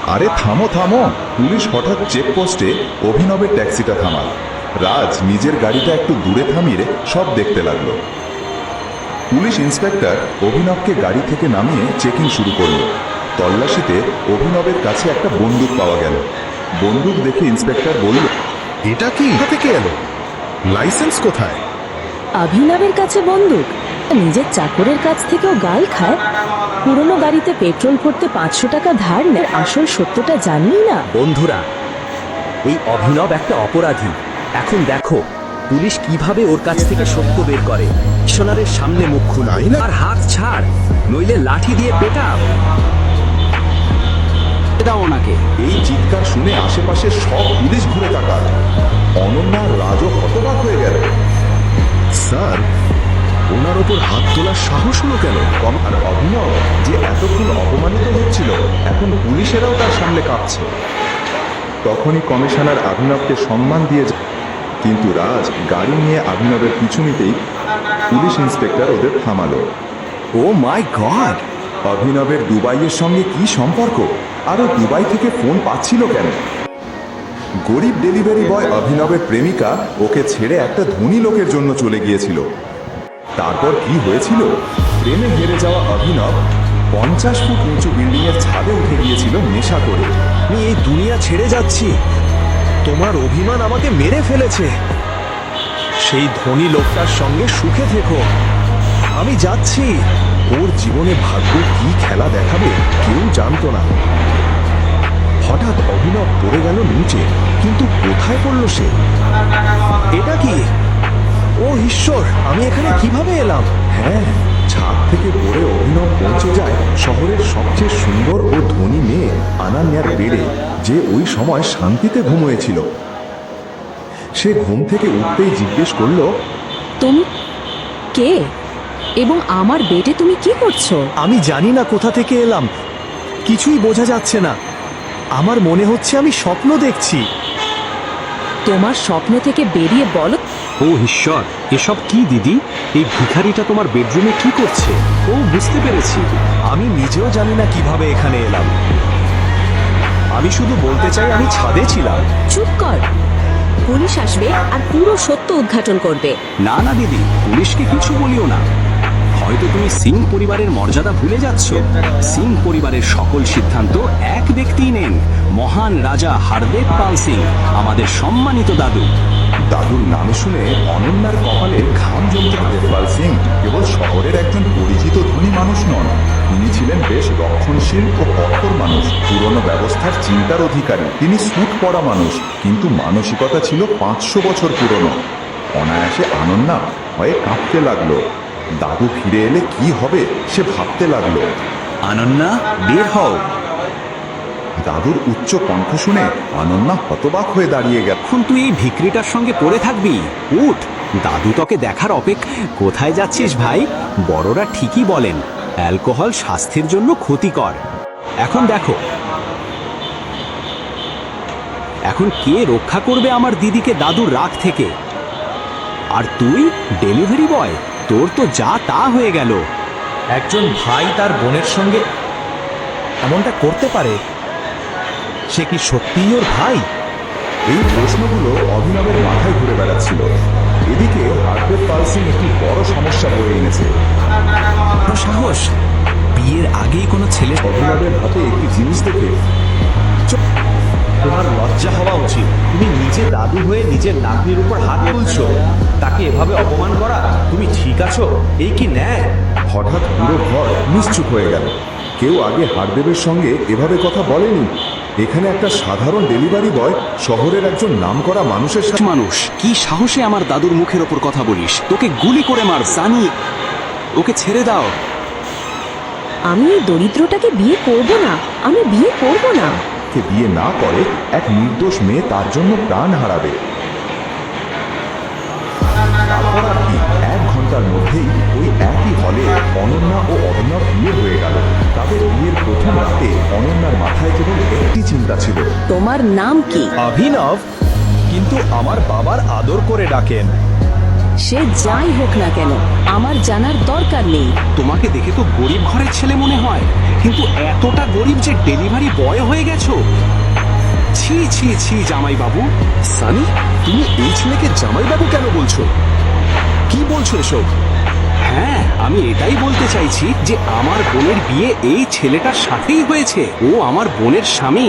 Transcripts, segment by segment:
আরে থামো থামো, পুলিশ হঠাৎ চেকপোস্টে অভিনবের ট্যাক্সিটা থামাল। রাজ নিজের গাড়িটা একটু দূরে থামিয়ে সব দেখতে লাগলো। পুলিশ ইন্সপেক্টর অভিনবকে গাড়ি থেকে নামিয়ে চেকিং শুরু করলো। তল্লাশিতে অভিনবের কাছে একটা বন্দুক পাওয়া গেল। বন্দুক দেখে ইন্সপেক্টর বলল, এটা কি কোথা থেকে এলো? লাইসেন্স কোথায়? অভিনবের কাছে বন্দুক? নিজের চাকরের কাছ থেকেও গাল খায়? পুরনো গাড়িতে পেট্রোল ভরতে 500 টাকা ধার নেয়, আসল সত্যটা জানি না। বন্ধুরা, এই অভিনব একটা অপরাধী। এখন দেখো পুলিশ কিভাবে ওর কাছ থেকে সত্য বের করে। কমিশনারের সামনে মুখ খুল, আর হাত ছাড়, নইলে লাঠি দিয়ে পেটা দাও ওনাকে। এই চিৎকার শুনে আশেপাশে সব পুলিশ ঘুরে তাকাল। অনন্যা আর রাজও হতবাক হয়ে গেল। স্যার, ওনার ওপর হাত তোলার সাহস হলো কেন? আর অভিনব যে এতক্ষণ অপমানিত হচ্ছিল, এখন পুলিশেরাও তার সামনে কাঁপছে। তখনই কমিশনার অভিনবকে সম্মান দিয়ে কিন্তু রাজ গাড়ি নিয়ে অভিনবের পিছু নিতেই পুলিশ ইন্সপেক্টর ওদের থামালো। ও মাই গড! অভিনবের দুবাইয়ের সঙ্গে কি সম্পর্ক? আরও দুবাই থেকে ফোন পাচ্ছিল কেন? গরিব ডেলিভারি বয় অভিনবের প্রেমিকা ওকে ছেড়ে একটা ধনী লোকের জন্য চলে গিয়েছিল। তারপর কি হয়েছিল? প্রেমে হেরে যাওয়া অভিনব 50 ফুট উঁচু বিল্ডিংয়ের ছাদে উঠে গিয়েছিল নেশা করে। আমি এই দুনিয়া ছেড়ে যাচ্ছি। তোমার অভিমান আমাকে মেরে ফেলেছে। সেই ধনী লোকটার সঙ্গে সুখে থেকো। আমি যাচ্ছি। ওর জীবনে ভাগ্য কি খেলা দেখাবে কেউ জানতো না। হঠাৎ অভিনব পড়ে গেল নিচে, কিন্তু কোথায় পড়লো সে? এটা কি? ও ঈশ্বর, আমি এখানে কিভাবে এলাম? হ্যাঁ, ছাদ থেকে পড়ে অভিনব পৌঁছে যায় শহরের সবচেয়ে সুন্দর ও ধনী মেয়ে আনান্যার বেডে, যে ওই সময় শান্তিতে ঘুমিয়েছিল। সে ঘুম থেকে উঠতেই জিজ্ঞেস করল, তুমি কে এবং আমার বেডে তুমি কি করছো? আমি জানি না কোথা থেকে এলাম, কিছুই বোঝা যাচ্ছে না। আমার মনে হচ্ছে আমি স্বপ্ন দেখছি। তোমার স্বপ্ন থেকে বেরিয়ে বলো। ও ঈশ্বর, এসব কি দিদি? এই ভিখারিটা তোমার বেডরুমে কি করছে? ও, বুঝতে পেরেছি। আমি নিজেও জানি না কিভাবে এখানে এলাম। আমি শুধু বলতে চাই আমি ছাদে ছিলাম। চুপ কর, পুলিশ আসবে আর পুরো সত্য উদ্ঘাটন করবে। না না দিদি, পুলিশকে কিছু বলিও না। হয়তো তুমি সিং পরিবারের মর্যাদা ভুলে যাচ্ছ। সিং পরিবারের সকল সিদ্ধান্ত এক ব্যক্তিই নেন, মহান রাজা হারদেব পাল সিং, আমাদের সম্মানিত দাদু। দাদুর নাম শুনে অনন্যার কপালে ঘাম জমতে। দেবপাল সিং কেবল শহরের একজন পরিচিত ধনী মানুষ নন, তিনি ছিলেন বেশ রক্ষণশীল ও কঠোর মানুষ, পুরনো ব্যবস্থার চিন্তার অধিকারী। তিনি স্যুট পরা মানুষ, কিন্তু মানসিকতা ছিল 500 বছর পুরনো। অনায়াসে অনন্যা ভয়ে কাঁপতে লাগলো। দাদু ফিরে এলে কি হবে সে ভাবতে লাগলো। অনন্যা, বের হও। দাদুর উচ্চ কণ্ঠ শুনে অনন্যা হতবাক হয়ে দাঁড়িয়ে গেল। এখন তুই এই ভিখারিটার সঙ্গে পড়ে থাকবি? উঠ, দাদু তোকে দেখার অপেক্ষা। কোথায় যাচ্ছিস ভাই? বড়রা ঠিকই বলেন, অ্যালকোহল স্বাস্থ্যের জন্য ক্ষতিকর। এখন দেখো, এখন কে রক্ষা করবে আমার দিদিকে দাদুর রাগ থেকে? আর তুই ডেলিভারি বয়, তোর তো যা তা হয়ে গেল। একজন ভাই তার বোনের সঙ্গে এমনটা করতে পারে? সে কি সত্যিই ওর ভাই? এই প্রশ্নগুলো অভিনবের মাথায় ঘুরে বেড়াচ্ছিল। এদিকে হারদেব পাল সিং একটি বড় সমস্যা বয়ে এনেছে। সাহস! বিয়ের আগেই কোনো ছেলে। অভিনবের হাতে একটি জিনিস দেখে তোমার লজ্জা হওয়া উচিত। তুমি নিজে দাদু হয়ে নিজের নাতনির উপর হাত তুলছো, তাকে এভাবে অপমান করা। তুমি ঠিক আছো? এই কি ন্যায়? হঠাৎ পুরো ঘর নিশ্চুপ হয়ে গেল। কেউ আগে হারদেবের সঙ্গে এভাবে কথা বলেনি। এখানে একটা সাধারণ ডেলিভারি বয় শহরের একজন নামকরা মানুষের সাথে। মানুষ, কি সাহসে আমার দাদুর মুখের ওপর কথা বলিস? তোকে গুলি করে মার জানি। ওকে ছেড়ে দাও। আমি এই দরিদ্রটাকে বিয়ে করব না, আমি বিয়ে করব না। বিয়ে না করে এক নির্দোষ মেয়ে তার জন্য প্রাণ হারাবে। তারপর আর কি, 1 ঘন্টার মধ্যেই ওই একই হলে অনন্যা ও অভিনব বিয়ে হয়ে গেল। তাদের বিয়ের প্রথম রাতে অনন্যার মাথায় কেবল একটি চিন্তা ছিল। তোমার নাম কি? অভিনব, কিন্তু আমার বাবার আদর করে ডাকেন। সে যাই হোক না কেন, আমার জানার দরকার নেই। তোমাকে দেখে তো গরিব ঘরের ছেলে মনে হয়। কিন্তু এতটা গরিব যে ডেলিভারি বয় হয়ে গেছো? ছি ছি ছি জামাই বাবু। সানি, তুমি এই ছেলেকে জামাইবাবু কেন বলছো? কি বলছো এসব? হ্যাঁ, আমি এটাই বলতে চাইছি যে আমার বোনের বিয়ে এই ছেলেটার সাথেই হয়েছে। ও আমার বোনের স্বামী।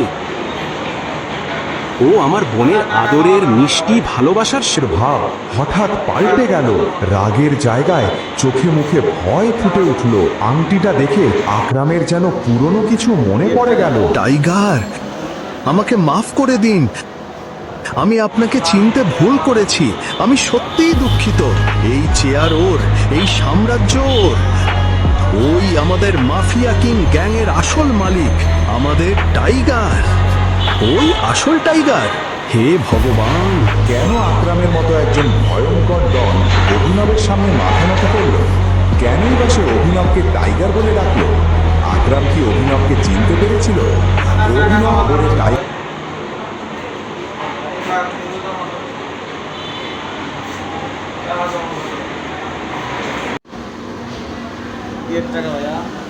ও আমার বোনের আদরের মিষ্টি ভালোবাসার ভাব হঠাৎ পাল্টে গেল। রাগের জায়গায় চোখে মুখে ভয় ফুটে উঠল। আংটিটা দেখে আকরামের যেন পুরনো কিছু মনে পড়ে গেল। টাইগার, আমাকে মাফ করে দিন। আমি আপনাকে চিনতে ভুল করেছি। আমি সত্যিই দুঃখিত। এই চেয়ার ওর, এই সাম্রাজ্য ওর। ওই আমাদের মাফিয়া কিং গ্যাংয়ের আসল মালিক, আমাদের টাইগার। ওই আসল টাইগার। হে ভগবান! কেন আকরামের মতো একজন ভয়ঙ্কর ডন অভিনবের সামনে মাথা নত করল? কেনই বা সে অভিনবকে টাইগার বলে ডাকলো? আকরাম কি অভিনবকে চিনতে পেরেছিল? অভিনব বলে টাইগার টাকা ভাইয়া